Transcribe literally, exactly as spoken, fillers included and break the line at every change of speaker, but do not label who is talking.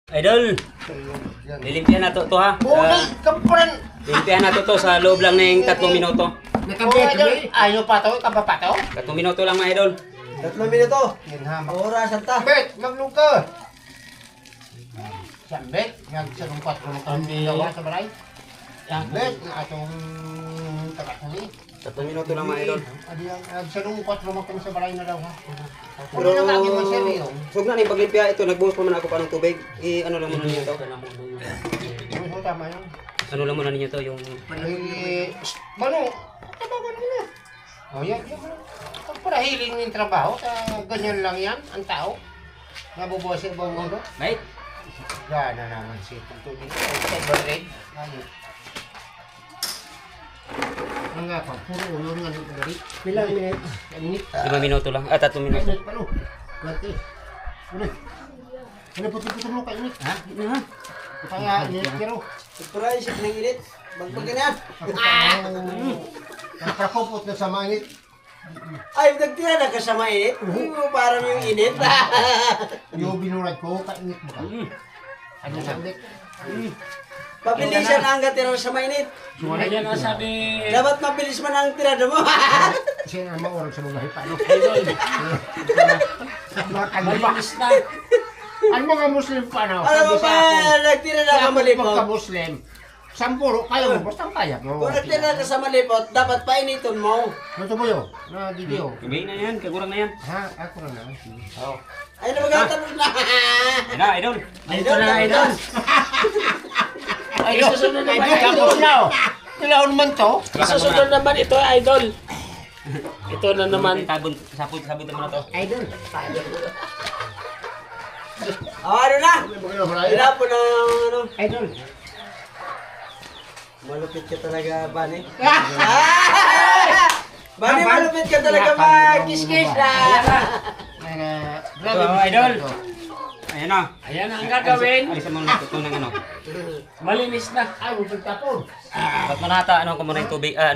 Idol, lilimpihan na to, to ha.
Buhay, kapran!
Lilimpihan na to to sa loob lang ng tatlong minuto.
Nakabit, ayaw pa to, kaba pa to?
Tatlong minuto lang mga idol.
Tatlong minuto.
Yan ha,
Oras anta.
Bet, magluka! Sambet, nagsalungkat ko ng pamilyawa sa baray. Sambet, na atong tagatali.
Tatlong minuto lang mga idol.
Adi ang nagsalungkat ko ng sa baray na daw ha.
Pero,
Pero lagi mo siya rin.
sug na ni paglimpia ito, nagbuhos pa man ako pa ng tubig. I ano lang muna ninyo to.
Ano tama yun?
Ano lang muna ninyo to yung
Eh, Mano, tabagan mo na. O yan, yan. Pag para hiling yung trabaho, ta, ganyan lang yan, ang tao. Nabubuhay sa ibang mundo.
mate.
Gana naman si Tuto dito. Sa barreg. Ayun. Ang nga pa, puro ulo nga dito dari. Pilang minit? Minit?
Lima minuto lang. Ah, tatlong minuto.
Minit pa no? Ganti. Ulit. Ano puti-puti mo ka init? Ha? Hindi ha? Kaya init pero.
Surprise, isip ng init. Bagpag na.
Naprakupot na sa mga init.
Ay, nagtira na ka sa mainit. Hindi mo parang yung init.
Yung binurad ko, kainit mo ka. Ano sabi?
Pabilisan ang gatira sa mainit.
Ayan ang sabi.
Dapat mabilis man ang tirada mo.
Kasi nga mga oras sa mga hipano.
Malinis na.
Ang mga Muslim pa na,
Alam mo
sabi
ba,
sa ako,
nagtira na
sa
ka
ako
malipot.
pagka-Muslim, sampuro, kaya mo, basta kaya mo.
Kung nagtira ka sa malipot, dapat painiton mo.
Ano mo yun? Na video.
Gabi na yan, kagurang na yan.
Ha? Ako na na.
Oo.
Ay, nabagatanong na.
Ayun na, idol.
Idol na, idol.
Ay, susunod naman
Ay, tapos
idol.
na oh. Kailangan naman to.
Susunod naman ito, idol. Ito na naman.
Sabon, sabon, sabon naman na to.
Idol.
Oh, ano na?
Idol.
Hila po na, ano.
Idol.
Malupit ka talaga, Bani. Bani, malupit ka talaga mag-kiss-kiss na.
Ito, idol. Ayan na.
Ayan ang gagawin.
Alisan mo na ito ng ano.
Malinis na.
Ay, huwag tapon.
Ba't manata, ano ko muna yung tubig. Ah,